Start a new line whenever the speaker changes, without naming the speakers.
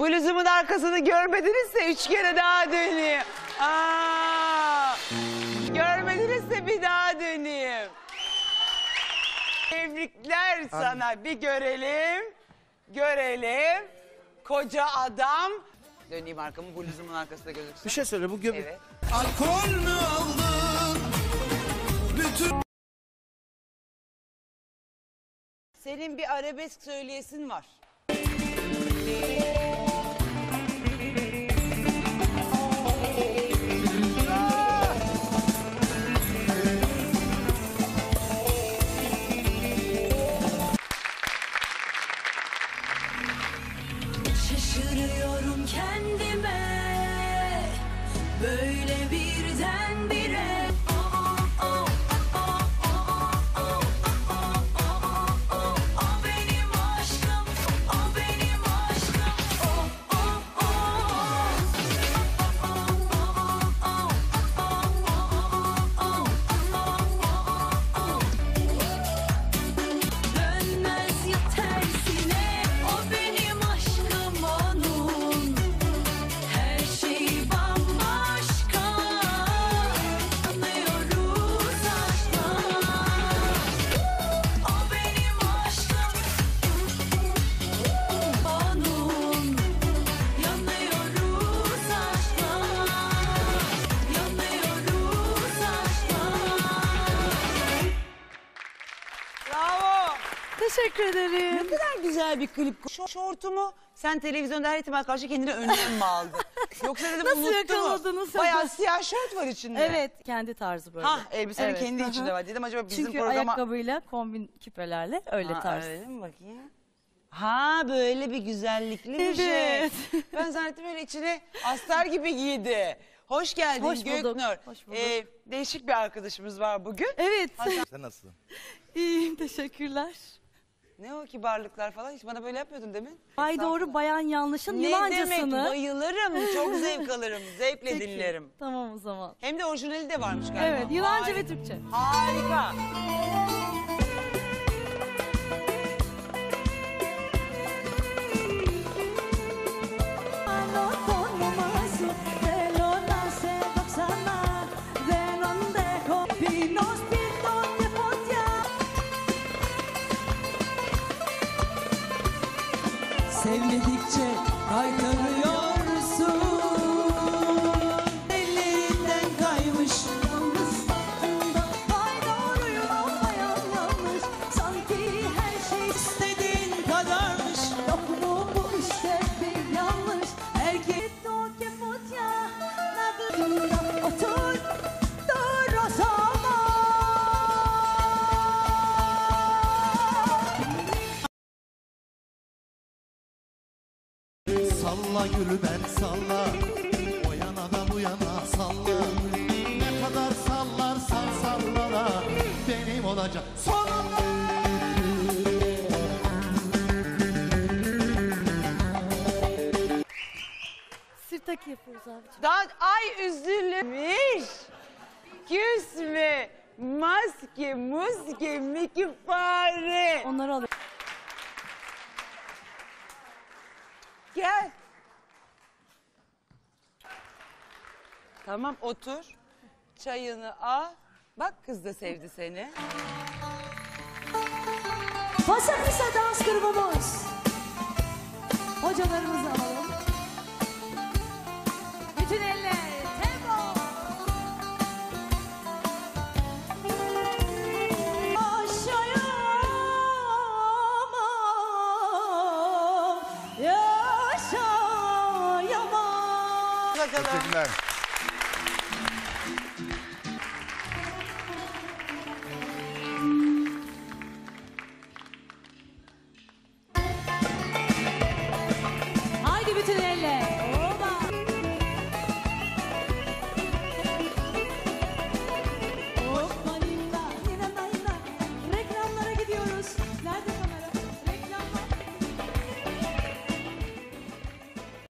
Bluzumun arkasını görmedinizse 3 kere daha döneyim. Görmedinizse bir daha döneyim. Tebrikler sana. Bir görelim. Görelim. Koca adam. Döneyim arkamı, bluzumun arkasında gözüksün.
Bir şey söyle bu göbek.
Evet.
Alkol mü aldın? Bütün...
Senin bir arabesk söyleyesin var.
Şaşırıyorum kendime, böyle birdenbire. O benim aşkım, o benim aşkım. Dönmez ya tersine, o benim aşkım onun. Her şey bambaşka, anlıyoruz aşktan. O benim aşkım onun. Yanıyoruz aşktan, yanıyoruz aşktan.
Bravo.
Teşekkür ederim.
Ne kadar güzel bir klip. Şortumu sen televizyonda her ihtimal karşı kendine önlem mi aldın? Yoksa dedim
Nasıl
unuttu mu?
yakaladınız?
Bayağı siyah şort var içinde.
Evet, kendi tarzı böyle.
Ha, elbisenin
Evet,
kendi
hı hı.
içinde var. Dedim acaba bizim
Çünkü
programa...
ayakkabıyla, kombin küpelerle öyle
Ha,
tarz.
öyle mi bakayım? Ha, böyle bir güzellikli bir şey.
Evet.
Ben zannettim öyle içine astar gibi giydi. Hoş geldin
Hoş bulduk,
Göknur.
hoş bulduk.
Değişik bir arkadaşımız var bugün.
Evet.
Sen nasılsın?
İyiyim, teşekkürler.
Ne o kibarlıklar falan, hiç bana böyle yapmıyordun demin.
Ay doğru, bayan yanlışın
Ne demek,
Yunancasını.
bayılırım, çok zevk alırım, zevkle
Peki,
dinlerim.
Tamam o zaman.
Hem de orijinali de varmış galiba.
Evet, Yunanca
Harika.
ve Türkçe.
Harika.
Sevmedikçe kaytarıyorsun. Ellerinden kaymış.
Yalnız baktığında vay doğruyum ama yanlış. Sanki her şey
İstediğin kadarmış.
yok mu bu işte bir yanlış. Herkes o kefotya nadırında otur dur o zaman.
Salla gülü ben salla. O yana da bu yana salla. Ne kadar sallarsan sallala. Benim olacak sonunda.
Sirtaki yapıyoruz abiciğim.
Daha ay üzülmüş. Küsme. Maske, muske, miki fare.
Onları alıyorum.
Gel. Tamam, otur. Çayını al. Bak, kız da sevdi seni.
Pasakisa dans grubumuz. Hocalarımızı alalım. Bütün eller tempo. Yaşayamam, yaşayamam.
Bakalım.
Teşekkürler.
Haydi bütün elle.